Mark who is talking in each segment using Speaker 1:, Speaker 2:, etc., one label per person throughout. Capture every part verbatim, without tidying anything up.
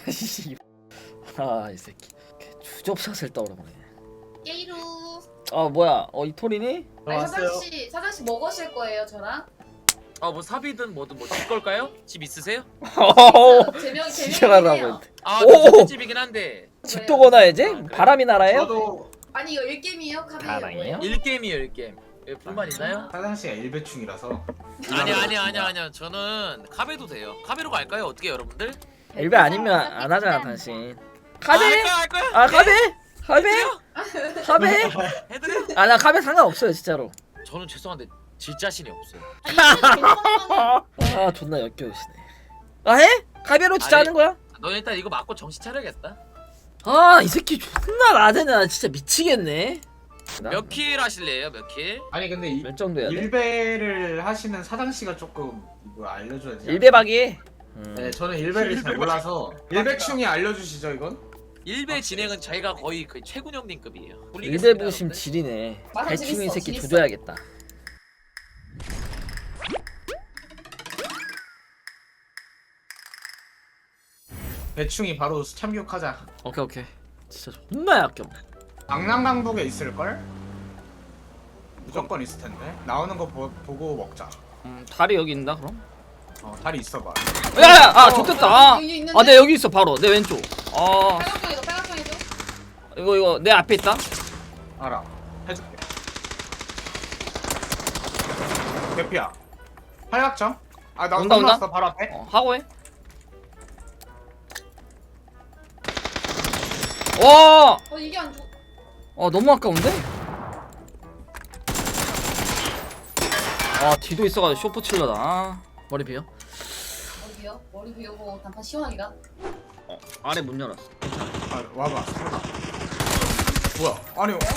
Speaker 1: 아 이 새끼 주접샷을 떠오르네.
Speaker 2: 예이루.
Speaker 1: 아 뭐야? 어 이토리니?
Speaker 2: 아니
Speaker 3: 왔어요.
Speaker 2: 사장 씨, 사장 씨 뭐 거실 거예요, 저랑?
Speaker 3: 아뭐 사비든 뭐든 뭐 집 걸까요? 집 있으세요?
Speaker 2: 제명
Speaker 1: 지랄하라고
Speaker 2: 제명이에요.
Speaker 1: 했대.
Speaker 3: 아
Speaker 1: 오!
Speaker 3: 저 집이긴 한데
Speaker 1: 집도 거나야지?
Speaker 3: 아, 그래?
Speaker 1: 바람이 날아요?
Speaker 4: 저도
Speaker 2: 아니 이거 일게임이에요, 카베이요?
Speaker 1: 가방이에요?
Speaker 3: 일 게임이에요 일 게임. 왜 불만 있나요?
Speaker 4: 화장씨가 일배충이라서
Speaker 3: 아니 아니 아니 아니요 저는 카베도 돼요. 카베로 갈까요? 어떻게 여러분들?
Speaker 1: 일배 아니면 안 하잖아 당신. 카베?
Speaker 3: 아, 할까요 할까요?
Speaker 1: 아 카베? 카베? 카베?
Speaker 3: 해드려?
Speaker 1: 아 나 카베 상관없어요 진짜로.
Speaker 3: 저는 죄송한데 질 자신이 없어요.
Speaker 1: 아 존나 역겨우시네. 아 해? 카베로 진짜
Speaker 3: 아니.
Speaker 1: 하는 거야?
Speaker 3: 너 일단 이거 맞고 정신 차려야겠다.
Speaker 1: 아 이 새끼 존나 나대나 진짜 미치겠네.
Speaker 3: 몇 킬 하실래요? 몇 킬?
Speaker 4: 아니 근데 이,
Speaker 1: 몇 정도 해야 돼?
Speaker 4: 일배를 하시는 사장씨가 조금 이거 알려줘야지.
Speaker 1: 일배박이. 음.
Speaker 4: 네 저는 일배를 잘 몰라서 일배충이 알려주시죠 이건?
Speaker 3: 일배 진행은 저희가 거의 그 최군 형님급이에요.
Speaker 1: 일배 부심 지리네.
Speaker 2: 맞아,
Speaker 1: 대충 이
Speaker 2: 재밌어,
Speaker 1: 새끼
Speaker 2: 재밌어.
Speaker 1: 조져야겠다.
Speaker 4: 배충이 바로 참교육하자.
Speaker 1: 오케이 오케이. 진짜 존나 역겹네.
Speaker 4: 강남강북에 있을걸? 무조건 있을 텐데 나오는 거 보, 보고 먹자.
Speaker 1: 음 다리 여기 있나 그럼?
Speaker 4: 어 다리 있어봐.
Speaker 1: 야야 아 좋겠다. 아,
Speaker 2: 여기 있는데?
Speaker 1: 아, 내 여기 있어 바로 내 왼쪽. 아
Speaker 2: 빨간색이죠, 빨간색이죠.
Speaker 1: 이거 이거 내 앞에 있다.
Speaker 4: 알아. 해줄게. 대피야. 팔각정? 아나
Speaker 1: 온다, 온다.
Speaker 4: 왔어 바로 앞에.
Speaker 1: 어 하고 해. 와,
Speaker 2: 어 이게 안 좋.
Speaker 1: 어 너무 아까운데? 아 뒤도 있어가지고 쇼프 칠러다. 아, 머리 비어.
Speaker 2: 머리 비어, 머리 비우고 단판 시원하기가.
Speaker 1: 어 아래 문 열었어.
Speaker 4: 아 와봐. 뭐야? 아니 어,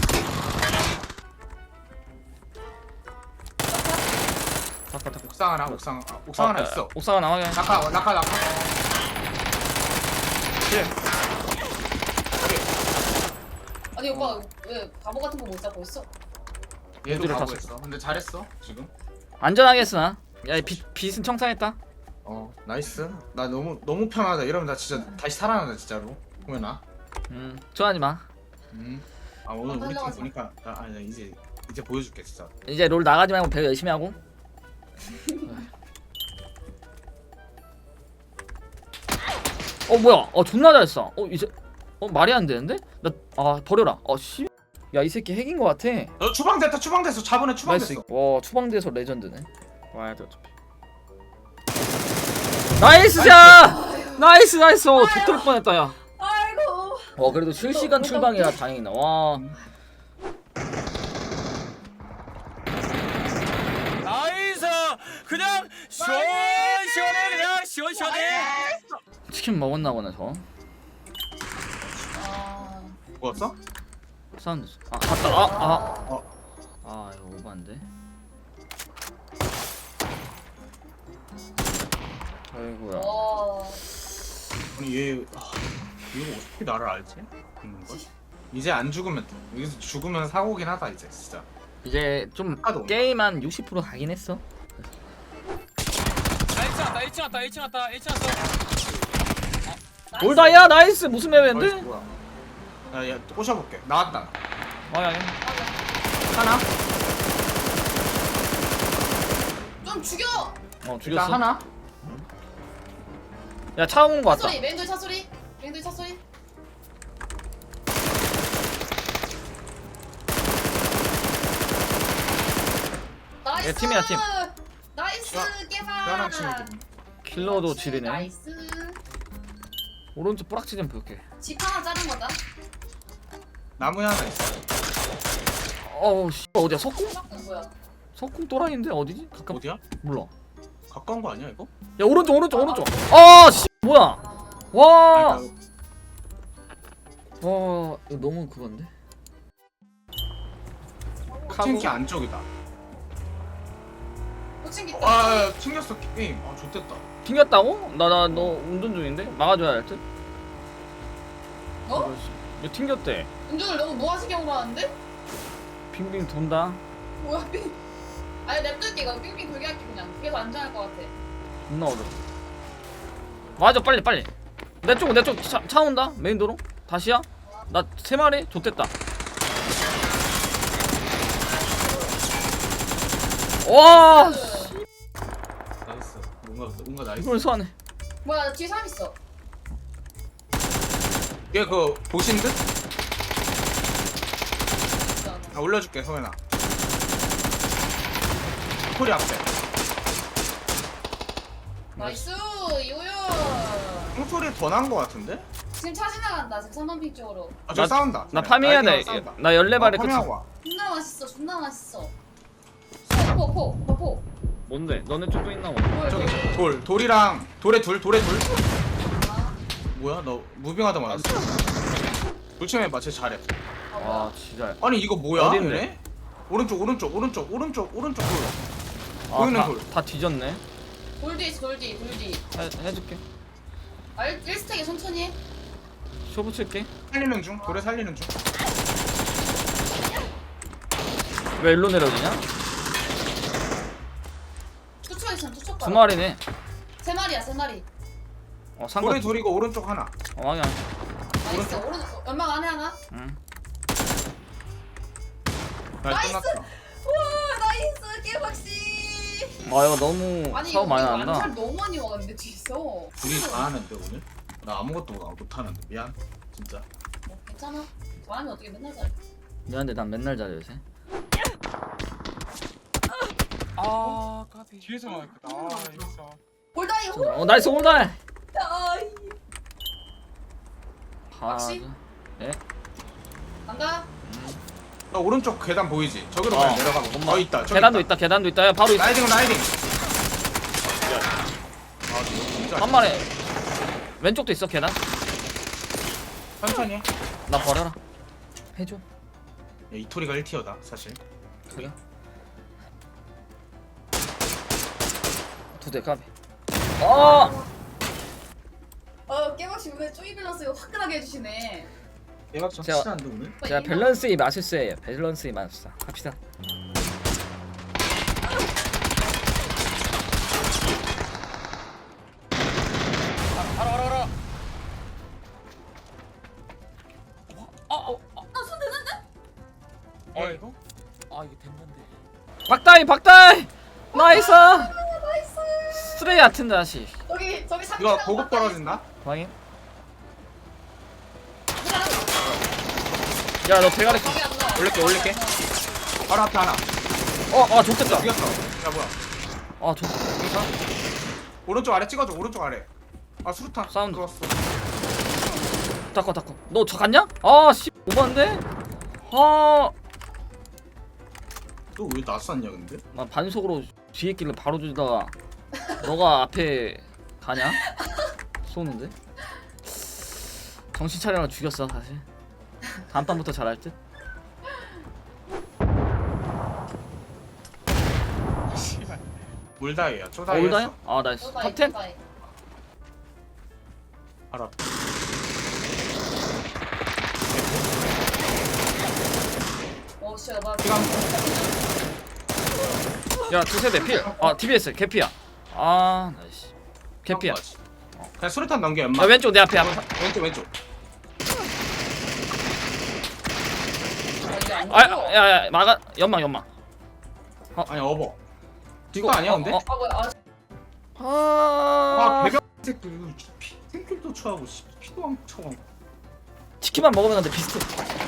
Speaker 1: 닦아 닦아.
Speaker 4: 옥상 하나 옥상 아, 옥상 하나 있어.
Speaker 1: 옥상 하나 확인.
Speaker 4: 낙하 낙하 낙하. 예.
Speaker 2: 아니 오빠 왜 바보 같은 거 못 잡고 있어?
Speaker 4: 얘도
Speaker 1: 어디를
Speaker 4: 가고했어. 근데 잘했어 지금.
Speaker 1: 안전하게 했으나. 야빛 빛은 청산했다.
Speaker 4: 어 나이스. 나 너무 너무 편하다. 이러면 나 진짜 다시 살아난다 진짜로. 보면아.
Speaker 1: 음 좋아하지 마.
Speaker 4: 음. 아 오늘
Speaker 2: 어,
Speaker 4: 우리 팀
Speaker 2: 살려가지고.
Speaker 4: 보니까 나 아니 이제 이제 보여줄게 진짜.
Speaker 1: 이제 롤 나가지 말고 배우 열심히 하고. 어 뭐야? 어 존나 잘했어. 어 이제 어 말이 안 되는데? 나 아 버려라. 어 씨. 야 이 새끼 핵인 것 같아.
Speaker 4: 너 추방 됐다 추방 됐어. 자본에 추방
Speaker 1: 나이스.
Speaker 4: 됐어.
Speaker 1: 와 추방돼서 레전드네. 와야 돼 어차피. 나이스 샷! 나이스 나이스. 어 죽을 뻔했다 야.
Speaker 2: 아이고.
Speaker 1: 어 그래도 실시간 출방이라 다행이다. 와.
Speaker 3: 나이스 그냥 시원시원해 그냥 시원시원해.
Speaker 1: 치킨 먹었나 보네 저.
Speaker 2: 아.
Speaker 4: 뭐였어?
Speaker 1: 사운드. 아 갔다. 아 아.
Speaker 4: 어.
Speaker 1: 아 이거 오반데. 아이고야.
Speaker 2: 와.
Speaker 4: 아니 얘 아, 얘가 어떻게 나를 알지? 있는 걸? 이제 안 죽으면 돼. 여기서 죽으면 사고긴 하다 이제 진짜.
Speaker 1: 이제 좀
Speaker 4: 아까도 온다.
Speaker 1: 게임 한 육십 퍼센트 가긴 했어.
Speaker 3: 아, 일 층 왔다 일 층 왔다 일 층 왔다 일 층 왔어.
Speaker 1: 올다야 나이스 무슨
Speaker 4: 나이스,
Speaker 1: 맵인데?
Speaker 4: 뭐야? 야야 꼬셔볼게. 나왔다.
Speaker 1: 아야.
Speaker 4: 하나?
Speaker 2: 좀 죽여.
Speaker 1: 어
Speaker 4: 일단
Speaker 1: 죽였어.
Speaker 4: 하나?
Speaker 1: 야 차 오는 거
Speaker 2: 차
Speaker 1: 같다.
Speaker 2: 소리, 맨들 차 소리, 맨들 차 소리. 나이스.
Speaker 1: 팀이야, 팀.
Speaker 2: 나이스 깨봐.
Speaker 4: 편한 친구들.
Speaker 1: 킬러도 지리네.
Speaker 2: 나이스.
Speaker 1: 오른쪽 뿌락치 좀 볼게.
Speaker 2: 집 하나 자른 거다.
Speaker 4: 나무에 하나 있어.
Speaker 1: 어우 씨 어디야 석궁?
Speaker 2: 어, 뭐야?
Speaker 1: 석궁 또라이인데 어디지? 가까
Speaker 4: 어디야?
Speaker 1: 몰라.
Speaker 4: 가까운 거 아니야 이거?
Speaker 1: 야 오른쪽 오른쪽 오른쪽. 아씨 뭐야? 와.
Speaker 4: 아니,
Speaker 1: 와 이거 너무 그건데.
Speaker 4: 나 팅키 안쪽이다.
Speaker 2: 호칭기
Speaker 4: 아, 아 튕겼어 게임. 아 좋댔다.
Speaker 1: 튕겼다고? 나 나 너 운전 중인데 막아줘야 할 듯.
Speaker 2: 어?
Speaker 1: 이거 튕겼대.
Speaker 2: 운전을 너무 무아지경으로 하는데?
Speaker 1: 빙빙 돈다.
Speaker 2: 뭐야 빙? 아니 냅둘게 이거 빙빙 돌게 할게 그냥. 그게 더 안전할 것 같아.
Speaker 1: 존나 어려. 맞아 빨리 빨리. 내 쪽 내 쪽 차, 차 온다 메인 도로 다시야 나 세 마리 좆됐다 와
Speaker 4: 나이스. 뭔가 뭔가 나이스.
Speaker 1: 이걸 소환해
Speaker 2: 뭐야 나 뒤에 사람 있어.
Speaker 4: 얘 그거 보신 듯?
Speaker 2: 진짜.
Speaker 4: 아 올려줄게 소연아. 코리 앞에.
Speaker 2: 나이스 이호연.
Speaker 4: 똥소리 더 난 거 같은데?
Speaker 2: 지금 차 지나간다. 지금 삼 번 핑 쪽으로.
Speaker 4: 아 저
Speaker 1: 나-
Speaker 4: 싸운다.
Speaker 1: 나 파밍해야
Speaker 4: 나이팅하고 싸운다.
Speaker 1: 돼나 열네 발에
Speaker 4: 어,
Speaker 1: 끝이
Speaker 4: 파밍하고 와.
Speaker 2: 존나 맛있어. 존나 맛있어. 포포 포 포.
Speaker 1: 뭔데 너네 쪽도 있나 봐
Speaker 2: 뭐야
Speaker 4: 저기
Speaker 2: 저기.
Speaker 4: 돌 돌이랑 돌에 둘 돌에 둘.
Speaker 2: 아,
Speaker 4: 뭐야 너 무빙하다 말았어. 불침해봐 쟤 잘해.
Speaker 2: 아
Speaker 1: 아
Speaker 2: 뭐야.
Speaker 1: 진짜
Speaker 4: 아니 이거 뭐야?
Speaker 1: 어딘데?
Speaker 4: 얘네? 오른쪽 오른쪽 오른쪽 오른쪽 오른쪽 돌. 보이는 돌.
Speaker 1: 아다 뒤졌네
Speaker 2: 돌 뒤 있어 돌 뒤. 돌 뒤.
Speaker 1: 해, 해줄게
Speaker 2: 아 일 스택에 천천히 해.
Speaker 1: 쇼부 칠게
Speaker 4: 살리는 중 돌에 살리는 중.
Speaker 1: 왜 일로 내려오냐
Speaker 2: 투척 있으면 투척
Speaker 1: 두
Speaker 2: 가라.
Speaker 1: 마리네
Speaker 2: 세 마리야 세 마리.
Speaker 1: 어
Speaker 4: 돌에
Speaker 1: 상관
Speaker 4: 둘이고 오른쪽 하나.
Speaker 1: 어 왕이 안
Speaker 2: 나이스. 오른쪽 연막 안에 하나.
Speaker 1: 응.
Speaker 4: 날
Speaker 2: 나이스!
Speaker 4: 끝났어.
Speaker 2: 와 나이스 깨박씨.
Speaker 1: 아 이거 너무
Speaker 2: 아니
Speaker 1: 사고
Speaker 2: 이거
Speaker 1: 많이
Speaker 2: 이거
Speaker 1: 난다
Speaker 2: 암살 너무 많이 와는데 뒤에서.
Speaker 4: 둘이 다 하는데 오늘? 나 아무것도 못하는데 미안 진짜.
Speaker 2: 뭐, 괜찮아. 사람이 어떻게 맨날 잘해.
Speaker 1: 미안한데 난 맨날 잘해 요새
Speaker 5: 아 까비 뒤에서 나왔겠다. 아 있어.
Speaker 2: 볼다이 호.
Speaker 1: 어 나이스 올달
Speaker 2: 아이. 막시?
Speaker 1: 예?
Speaker 2: 간다.
Speaker 4: 나 오른쪽 계단 보이지? 저기로
Speaker 1: 어.
Speaker 4: 그냥 내려가 봐.
Speaker 1: 엄마.
Speaker 4: 어 있다. 저기
Speaker 1: 계단도 있다 계단도 있다 야 바로 있어
Speaker 4: 라이딩 라이딩. 아 진짜.
Speaker 1: 한 마리 왼쪽도 있어 계단
Speaker 4: 천천히 해.
Speaker 1: 나 버려라 해줘
Speaker 4: 야, 이토리가 일 티어다 사실.
Speaker 1: 그래 두대 까비 어
Speaker 2: 어 깨박씨 오늘 쪼이 밸런스 화끈하게 해주시네.
Speaker 4: 대박 좀
Speaker 1: 제가-
Speaker 4: 확실한데 오늘?
Speaker 1: 제가 밸런스의 마술사예요 밸런스의 마술사 갑시다
Speaker 5: 알아 알아 알아.
Speaker 2: 아손 되는데?
Speaker 5: 어 이거? 아 이게 됐는데.
Speaker 1: 박다이 박다이 나이스
Speaker 2: 나이스.
Speaker 1: 쓰레기 같은 자식
Speaker 2: 저기 저기 삼.
Speaker 4: 이거 고급 떨어진다?
Speaker 1: 확인 야너 대가리
Speaker 2: 거기 안 나.
Speaker 4: 올릴게 올릴게. 바로 앞에 하나.
Speaker 1: 어아 좋겠다
Speaker 4: 죽였어. 야 뭐야?
Speaker 1: 아 좋.
Speaker 4: 여기서 오른쪽 아래 찍어줘. 오른쪽 아래. 아 수류탄.
Speaker 1: 사운드.
Speaker 4: 들어왔어.
Speaker 1: 닦아 닦아 너 저 갔냐? 아씨 오버인데? 아나
Speaker 4: 너왜 낯섰냐 근데?
Speaker 1: 반속으로 뒤에 길을 바로 주다가 너가 앞에 가냐? 쏘는데? 정신 차려라 죽였어 사실 다음 판부터 잘할 듯?
Speaker 5: 씨발.
Speaker 4: 물다이야.
Speaker 1: 어,
Speaker 4: 초다이.
Speaker 1: 올다요? 아 나이스
Speaker 2: 탑
Speaker 1: 탑텐?
Speaker 4: 알아.
Speaker 2: 오 씨, 나
Speaker 4: 시간.
Speaker 1: 야 두세대 필아 티비에스 개피야 아 나이스 개피야
Speaker 4: 그냥 수류탄 넘겨 연마.
Speaker 1: 야 왼쪽 내 앞에 앞
Speaker 4: 왼쪽 왼쪽.
Speaker 2: 이게 안
Speaker 1: 아
Speaker 2: 죽어.
Speaker 1: 야야 막아 연막 연막
Speaker 4: 아니 어버.
Speaker 1: 이거
Speaker 4: 뒷거 아니야
Speaker 1: 어,
Speaker 4: 근데?
Speaker 1: 어.
Speaker 2: 아 뭐야? 아,
Speaker 4: 아
Speaker 1: 아
Speaker 4: 배경 새끼 이거 피 생킬도 쳐하고 씨, 피도 안 쳐하고.
Speaker 1: 치킨만 먹으면 근데 비슷해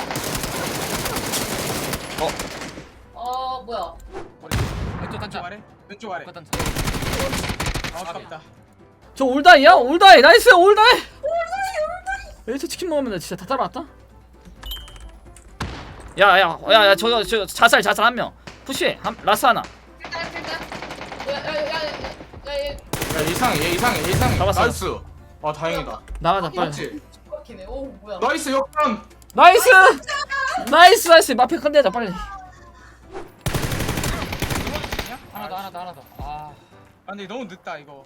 Speaker 2: 아 뭐야?
Speaker 5: 왼쪽 단차 아래. 왼쪽 아래. 단차. 아 아깝다.
Speaker 1: 저 올다이야? 올다이 나이스 올다이 올다이 올다이 여기서 치킨 먹으면 나 진짜 다 따라왔다 야야 야야 저거 저 자살 자살 한명 푸시 한 라스 하나
Speaker 2: 일단 일단. 야야야야야.
Speaker 4: 야 이상해 얘 이상해 얘 이상해.
Speaker 1: 잡았어.
Speaker 4: 나이스. 아 다행이다.
Speaker 1: 나가자 빨리
Speaker 4: 맞지?
Speaker 2: 이렇게네. 오 뭐야?
Speaker 4: 나이스 역전.
Speaker 1: 나이스 나이스 나이스 마페 컨대하자 빨리
Speaker 5: 하나 더 하나 더 하나 더. 아. 아 근데 너무 늦다 이거.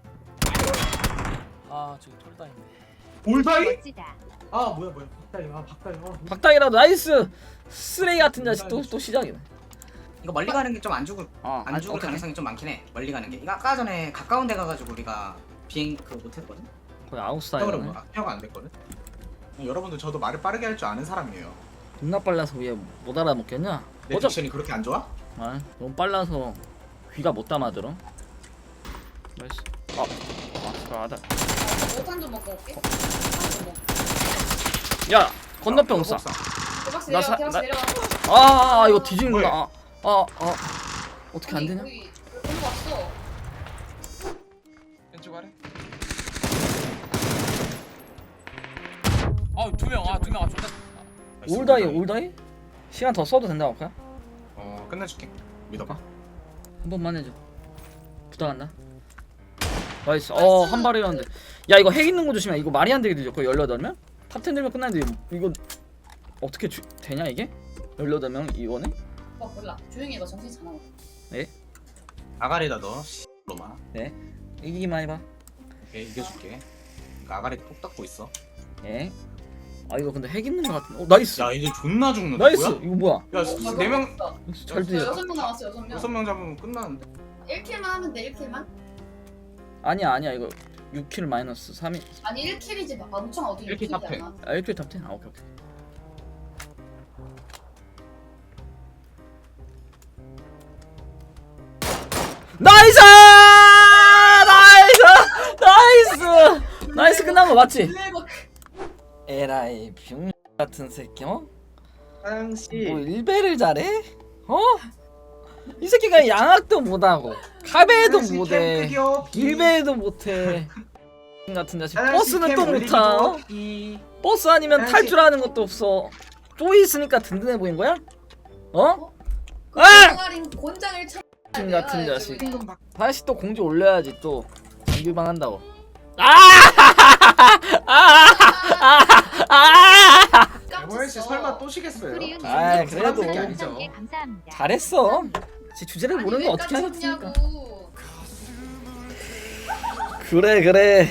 Speaker 5: 아 저기 톨다인데.
Speaker 4: 볼다이? 아 뭐야 뭐야 박다이 아 박다이 아
Speaker 1: 박다이라도 나이스 쓰레기 같은 자식 또, 또 시작이네
Speaker 6: 이거 멀리 가는 게 좀 안 죽을
Speaker 1: 어,
Speaker 6: 안 죽을
Speaker 1: 오케이.
Speaker 6: 가능성이 좀 많긴 해. 멀리 가는 게. 이거 아까 전에 가까운 데 가가지고 우리가 비행 그거 못 했거든.
Speaker 1: 거의 아웃사이드네.
Speaker 4: 여러분 악화가 안 됐거든. 여러분들 저도 말을 빠르게 할 줄 아는 사람이에요.
Speaker 1: 존나 빨라서 왜 못 알아먹겠냐?
Speaker 4: 내
Speaker 1: 어차
Speaker 4: 딕션이 그렇게 안 좋아?
Speaker 1: 아 너무 빨라서 귀가 못 담아들어. 나이스. 아, 아스라다.
Speaker 2: 오탄 좀 먹고 올게. 오탄 좀 먹고.
Speaker 1: 야 건너편 옥상.
Speaker 2: 개박씨
Speaker 1: 나
Speaker 2: 내려가.
Speaker 1: 사-
Speaker 2: 개박씨
Speaker 1: 나-
Speaker 2: 내려가.
Speaker 1: 아, 아 이거 뒤지는구나.
Speaker 4: 뭐야?
Speaker 1: 아, 아, 아 어떻게 안
Speaker 2: 아니,
Speaker 1: 되냐?
Speaker 2: 거기 올라 왔어.
Speaker 5: 왼쪽 아래. 아두명아두명아 존나.
Speaker 1: 올다이 올다이? 시간 더 써도 된다고 할까?
Speaker 4: 어 끝내줄게. 믿어봐.
Speaker 1: 한 번만 해줘. 부탁한다. 나이스. 어, 한 발이었는데. 야, 이거 핵 있는 거 조심해. 이거 말이 안 되게 되죠. 거의 열여덟 명? 탑텐 들면 끝나는데 이거 어떻게 주, 되냐 이게? 열여덟 명 이번에?
Speaker 2: 어 몰라. 조용히 해봐. 정신 차려.
Speaker 4: 아가리다 너. 로마.
Speaker 1: 이기기만 해봐.
Speaker 4: 오케이 이겨줄게. 그러니까 아가리 톡 닦고 있어.
Speaker 1: 예. 아, 이거 근데 핵 있는 거 같은데. 어, 나이스.
Speaker 4: 야 이제 존나 죽는다.
Speaker 1: 나이스.
Speaker 4: 뭐야?
Speaker 1: 이거 뭐야?
Speaker 4: 야 네 명
Speaker 1: 잘 들려.
Speaker 2: 여섯 명 남았어. 여섯 명.
Speaker 4: 여섯 명 잡으면 끝나는데.
Speaker 2: 일 킬만 하면 돼. 일 킬만.
Speaker 1: 아니야, 아니야. 이거 육 킬 마이너스 삼이.
Speaker 2: 아니 일 킬이지. 막 엄청 어디
Speaker 4: 일 킬 탑 텐.
Speaker 2: 킬이잖아.
Speaker 1: 아, 일 킬 탑텐. 아, 오케이, 오케이. 나이스! 나이스! 나이스! 나이스 끝난 거 맞지?
Speaker 2: 일레버
Speaker 1: 에라이 병 같은 새끼 어?
Speaker 4: 사장씨.
Speaker 1: 뭐 일배를 잘해? 어? 이 새끼가 양악도 못하고 카베도 못해 일배도 못해 같은 자식 버스는 또 못하 어? 버스 아니면 탈 줄 아는 것도 없어 쪼이 있으니까 든든해 보인 거야? 어?
Speaker 2: 그
Speaker 1: 아!
Speaker 2: 동아린 곤장을 쳐.
Speaker 1: 같은 같은 자식
Speaker 2: 그냥.
Speaker 1: 다시 또 공지 올려야지 또 정규방 한다고 아! 아!
Speaker 4: 에버엘 씨 설마 또 쉬겠어요?
Speaker 1: 아이, 그래도.
Speaker 4: 새끼 아니죠.
Speaker 7: 감사합니다.
Speaker 1: 잘했어 지 주제를 모르는 거 어떻게 하겠습니까
Speaker 2: 하겠습니까?
Speaker 1: 그래 그래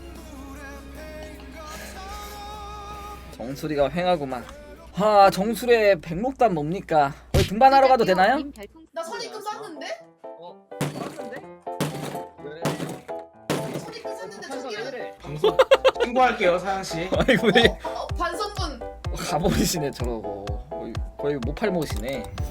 Speaker 1: 정수리가 횡하구만 하 정수리의 백록단 뭡니까 거기 등반하러 가도 되나요?
Speaker 2: 나 선입금 쐈는데?
Speaker 5: 어.
Speaker 2: 선입금 쐈는데 저기를
Speaker 4: 방송 신고할게요 사장씨.
Speaker 1: 아이고 왜
Speaker 2: 어, 어, 반성문
Speaker 1: 가버리시네 저러고 거의, 거의 못 팔모시네